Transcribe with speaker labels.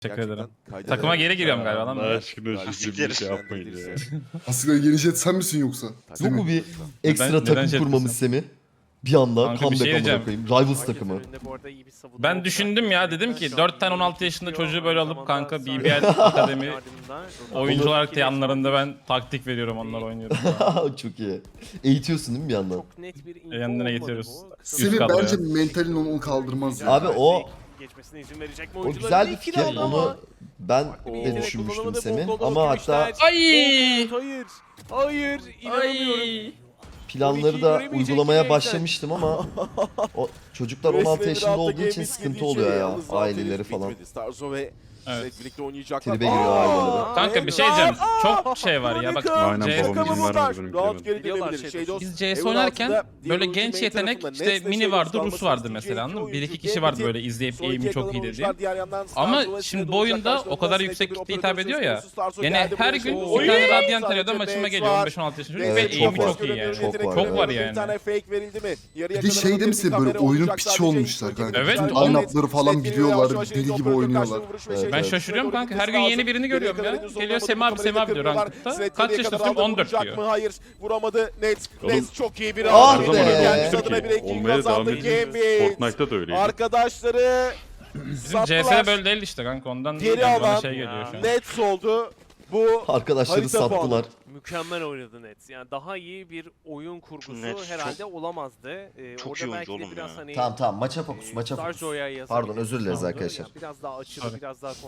Speaker 1: Teşekkür ederim.
Speaker 2: kayda
Speaker 1: Takıma
Speaker 2: değer.
Speaker 1: geri giriyorum galiba lan.
Speaker 3: Allah aşkına şu
Speaker 4: Siktir.
Speaker 3: bir şey yapmayın ya.
Speaker 5: Aslında yeni jet sen misin yoksa?
Speaker 6: Yok mu bir ekstra
Speaker 1: neden
Speaker 6: takım
Speaker 1: şey
Speaker 6: kurmamız Semih? Bir anda
Speaker 1: Kanka bir
Speaker 6: comeback
Speaker 1: şey
Speaker 6: amına
Speaker 1: diyeceğim.
Speaker 6: koyayım. Rivals takımı.
Speaker 1: Ben düşündüm ya, dedim ki 4 tane 16 yaşında çocuğu böyle alıp kanka BBL Akademi oyuncu olarak da yanlarında ben taktik veriyorum, onlar oynuyorum.
Speaker 6: Çok iyi. Eğitiyorsun değil mi bir yandan?
Speaker 7: Çok net bir info
Speaker 1: Yanına
Speaker 7: olmadı
Speaker 1: getiriyoruz.
Speaker 7: bu.
Speaker 5: Semih
Speaker 1: kadro
Speaker 5: bence
Speaker 1: ya.
Speaker 5: mentalin onu kaldırmaz ya.
Speaker 6: Abi o
Speaker 7: Geçmesine izin verecek mi
Speaker 6: o
Speaker 7: oyuncular?
Speaker 6: güzel bir
Speaker 7: İki
Speaker 6: fikir.
Speaker 7: round ama
Speaker 6: Onu ben de
Speaker 7: yetenek
Speaker 6: düşünmüştüm
Speaker 7: kullanamadı.
Speaker 6: Semih.
Speaker 7: Bol bol
Speaker 6: Ama hatta
Speaker 7: görüşler.
Speaker 1: Ay!
Speaker 7: Hayır. Hayır. İnanamıyorum.
Speaker 6: planları da uygulamaya başlamıştım ama o çocuklar 16 yaşında olduğu için sıkıntı oluyor ya, aileleri falan.
Speaker 2: Starzo ve
Speaker 1: Evet.
Speaker 2: birlikte oynayacaklar.
Speaker 6: Tribe giriyor aileleri.
Speaker 1: Kanka bir şey diyeceğim. Çok şey var ya bak.
Speaker 3: Aynen,
Speaker 1: CS
Speaker 3: babam izin vermedi benim
Speaker 2: Round
Speaker 3: bilemedim.
Speaker 2: geri
Speaker 7: Biliyorlar
Speaker 2: dönebilir.
Speaker 7: şey
Speaker 2: Şeydos,
Speaker 1: Biz CS
Speaker 2: Evil
Speaker 1: oynarken
Speaker 2: altında
Speaker 1: böyle
Speaker 2: diğer
Speaker 1: genç
Speaker 2: ultimate
Speaker 1: yetenek
Speaker 2: tarafında
Speaker 1: işte
Speaker 2: Nets ve
Speaker 1: Mini
Speaker 2: Şeydos
Speaker 1: vardı, Rus
Speaker 2: kalmasını
Speaker 1: vardı
Speaker 2: isteyecek
Speaker 1: mesela, anladın mı?
Speaker 2: oyuncu
Speaker 1: 1-2 kişi vardı
Speaker 2: Gambit.
Speaker 1: böyle izleyip
Speaker 2: Son iki
Speaker 1: aim'i çok iyi
Speaker 2: yakalanan
Speaker 1: dediğim.
Speaker 2: diğer yandan
Speaker 1: Ama
Speaker 2: Starzo ve
Speaker 1: şimdi
Speaker 2: Sined
Speaker 1: bu oyunda
Speaker 2: olacak.
Speaker 1: o kadar
Speaker 2: Karşılarında
Speaker 1: yüksek
Speaker 2: Snake
Speaker 1: kitle
Speaker 2: bir
Speaker 1: hitap
Speaker 2: operatör
Speaker 1: ediyor
Speaker 2: söz
Speaker 1: ya.
Speaker 2: konusu. Starzo
Speaker 1: Yani
Speaker 2: geldi
Speaker 1: her
Speaker 2: buraya.
Speaker 1: gün
Speaker 2: Oy!
Speaker 1: bir tane Radiant
Speaker 2: Sadece
Speaker 1: arıyordum, maçıma
Speaker 2: Nets
Speaker 1: geliyor
Speaker 2: var.
Speaker 1: 15-16 yaşında çocuk
Speaker 6: Evet,
Speaker 1: ve
Speaker 6: çok
Speaker 1: aim'i
Speaker 6: var.
Speaker 1: çok iyi yani.
Speaker 6: Çok var,
Speaker 1: Çok var
Speaker 2: Bir
Speaker 1: yani.
Speaker 2: tane fake verildi mi? Yarıya
Speaker 5: Bir de
Speaker 2: kadar
Speaker 5: şey
Speaker 2: bakın,
Speaker 5: demişsin
Speaker 2: bir
Speaker 5: böyle
Speaker 2: kamera
Speaker 5: oyunun
Speaker 2: olacak
Speaker 5: piçi
Speaker 2: sadece.
Speaker 5: olmuşlar kanka.
Speaker 1: Evet,
Speaker 5: Bütün
Speaker 1: oğlum.
Speaker 5: line-up'ları falan biliyorlar, deli gibi oynuyorlar.
Speaker 1: Ben şaşırıyorum kanka, her gün yeni birini görüyorum ya. Geliyor Semih abi diyor rankta. Kaç yaşındasın? 14 diyor.
Speaker 2: Hayır, vuramadı. Nets
Speaker 3: Oğlum.
Speaker 2: çok iyi bir
Speaker 6: Ah
Speaker 2: round.
Speaker 6: be!
Speaker 2: Gelmiş adına bir
Speaker 3: Türkiye.
Speaker 2: ranking
Speaker 3: Olmaya devam
Speaker 2: kazandı
Speaker 3: edecek.
Speaker 2: Gambit.
Speaker 3: Fortnite'da da öyleydi.
Speaker 2: Arkadaşları
Speaker 1: Bizim
Speaker 2: sattılar.
Speaker 1: CS'de böyle değil işte kanka, ondan
Speaker 2: Geri
Speaker 1: bana
Speaker 2: alan
Speaker 1: şey geliyor şu an.
Speaker 2: Nets oldu. Bu
Speaker 6: Arkadaşları
Speaker 2: Harita puanı.
Speaker 6: sattılar.
Speaker 7: Mükemmel oynadı Nets. Yani daha iyi bir oyun kurgusu
Speaker 4: Nets
Speaker 7: herhalde olamazdı.
Speaker 4: çok
Speaker 7: Orada
Speaker 4: iyi
Speaker 7: belki
Speaker 4: oyuncu
Speaker 7: de
Speaker 4: oğlum
Speaker 7: biraz
Speaker 4: ya.
Speaker 7: hani
Speaker 6: Tamam maça fokus, maça fokus.
Speaker 7: Starjo'ya yazabiliriz.
Speaker 6: Pardon, özür dileriz arkadaşlar.
Speaker 7: Yani biraz daha açılı,
Speaker 1: Tabii.
Speaker 7: biraz daha